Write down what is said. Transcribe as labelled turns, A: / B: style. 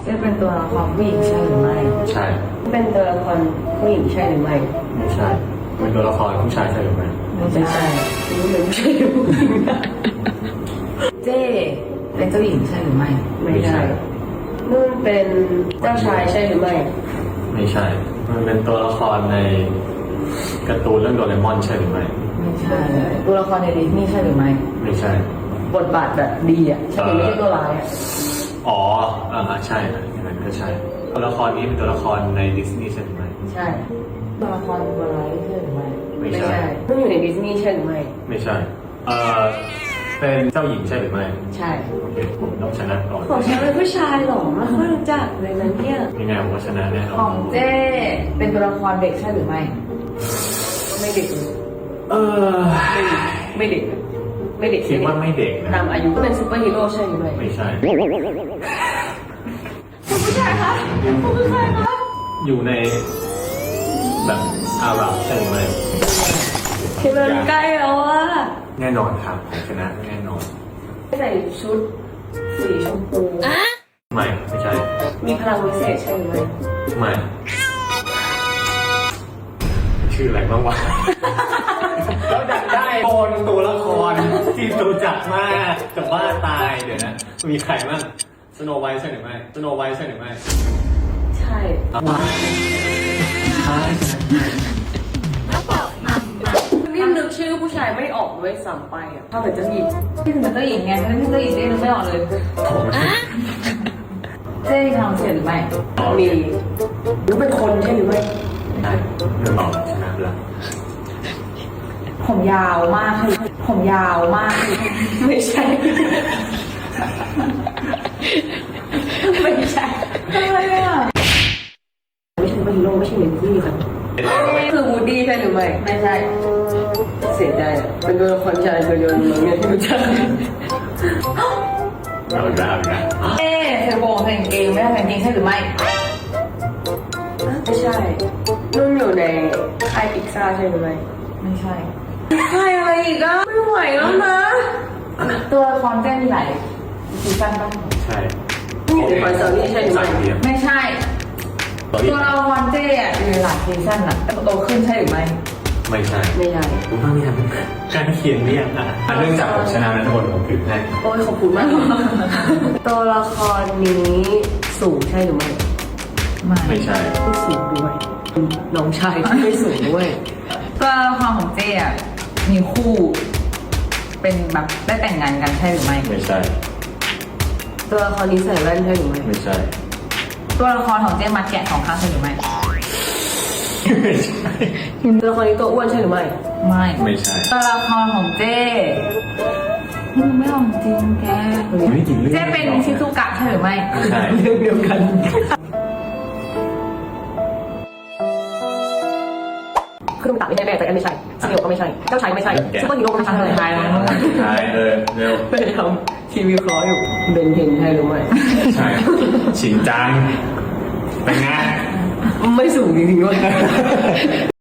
A: จะเป็นตัวละครผู้หญิงใช่หรือไม่
B: ใช่
A: เป็นตัวละครผู้หญิงใช่หรือไม่
B: ไม่ใช่เป็นตัวละครผู้ชายใช่หรือไม่
A: ไม่ใช่ไม่ใช่ผู้หญิงเจ้เป็นเจ้าหญิงใช่หรือไม่
B: ไม่ใช่
A: นุ่นเป็นเจ้าชายใช่หรือไม่
B: ไม่ใช่มันเป็นตัวละครในการ์ตูนเรื่องโดเรมอนใช่หรือไม่
A: ไม่ใช่ตัวละครในดิสนีย์ใช่หรือไม่
B: ไม่ใช่
A: บทบาทแบบดีอ่ะใช่ไม่ใช่ตัวร้ายอ่ะ
B: อ๋อใช่อย่างนั้นก็ใช่ตัวละครนี้เป็นตัวละครในดิสนีย์ใช่หรือไม่
A: ใช่ตัวละครตัวร้ายใช่หรือไม่
B: ไม่ใช่
A: ต้องอยู่ในดิสนีย์ใช่หรือไม่
B: ไม่ใช่เป็นเจ้าหญิงใช่หรือไม่
A: ใช่
B: โอเคผมต้องชนะก่อน
A: ของฉันเป็นผู้ชายหรอไม่ค่อยรู้จักเลยนะเนี่ย
B: ยังไงผมก็ชนะแน่นอน
A: ของเจ้เป็นตัวละครเด็กใช่หรือไม่ไม่เด็กไม่เด็กไม่เด็ก
B: คิดว่าไม่เด็กนะ
A: ตามอายุก็เป็นซูเปอร์ฮีโร่ใช่หรือไม่
B: ไม่ใช่
A: คุณผู้ชายคะคุณผู้ชายคะ
B: อยู่ในแบบอาหรับใช่หรือไม่
A: คือมันใกล้แล้วอะ
B: แน่นอนครับผมชนะแน่นอน
A: ใส่ชุดสีชมพู
B: ไม่ใช่
A: มีพลังวิเศษใช่หรือ
B: ไม่ชื่ออะไรบ้างวะแล้วดันได้โอนตัวละครที่รู้จักมากจะบ้าตายเดี๋ยวนะมีใครบ้างสโนไวท์ใช่หรือไม่สโนไวท์ใช่หรือไม่
A: ใช่นี่นึกชื่อผู้ชายไม่ออกด้วยซ้ำไปอ่ะถ้าเป็นเจ้าหญิงที่เป็นเจ้าหญิงไงถ้าเป็นเจ้าหญิงได้นึกไม่ออกเลยเจ้ทำเสร็จหรือไม่มีหรือเป็นคนใช่หรือไม่
B: ได้ไม่บอกชนะแล้ว
A: ผมยาวมากคือผมยาวมากไม่ใช่ไม่ใช่อะไรอ่ะไม่ใช่ฮีโร่ไม่ใช่เมนที่ครับคือวูดดี้ใช่หรือไม่ไม่ใช่เสียใจเป็นตัวละครชายตัวเดียวในเรื่องที่รู้จัก
B: เราได้นะ
A: เธอโกงเพลงเองไม่ได้เพลงจริงใช่หรือไม่ไม่ใช่นุ่นอยู่ในค่ายพิกซ่าใช่หรือไม่ไม่ใช่ค่ายอะไรอีกอ่ะไม่ไหวแล้วนะตัวละครเจ้มีหลายซีซั่นป่ะ
B: ใช่
A: อยู่ในคอนเสิร์ตนี่ใช่หรือไม่ไม่ใช่ตัวละครเจ้มีหลายซีซั่นอ่ะโตขึ้นใช่หรือไม่
B: ไม่ใช่
A: ไม่ใช่
B: ผมว่ามีทำการเขียนเรียกเรื่องจากผมชนะนะทุกคนผมถือให้
A: โอ้ยขอบคุณมากตัวละครนี้สูงใช่หรือไม่
B: ไม่ใช่
A: ไม่สูงด้วยน้องชายที่ไม่สูงด้วยตัวละครของเจ้มีคู่เป็นแบบได้แต่งงานกันใช่หรือไม่
B: ไม่ใช่
A: ตัวละครนี้ใส่แว่นใช่หรือไม่
B: ไม่ใช่
A: ตัวละครของเจ้มาแกะ2 ครั้งใช่หรือไม่
B: ไม่ใช่
A: ตัวละครนี้ตัวอ้วนใช่หรือไม่
B: ไม่ใช่
A: ตัวละครของเจ้ไม่ลองจริงแกเจ้เป็นชิซุกะใช่หรือไม่
B: ไม่ใช่
A: เรื่องเดียวกันคือมันตัดไม่ใช่แม่แต่ไม่ใช่ซีเนียร์ก็ไม่ใช่เจ้าชายไม่ใช่ซุปเปอร์ฮีโร่ก็ไม่ใช่อะไรแล้ว
B: เร็ว
A: ไม่ได้ทำทีวีคออยู่เบนเทนใช่หรือไม่
B: ใช่ชินจังเป็นไง
A: ไม่สูงจริงๆด้วย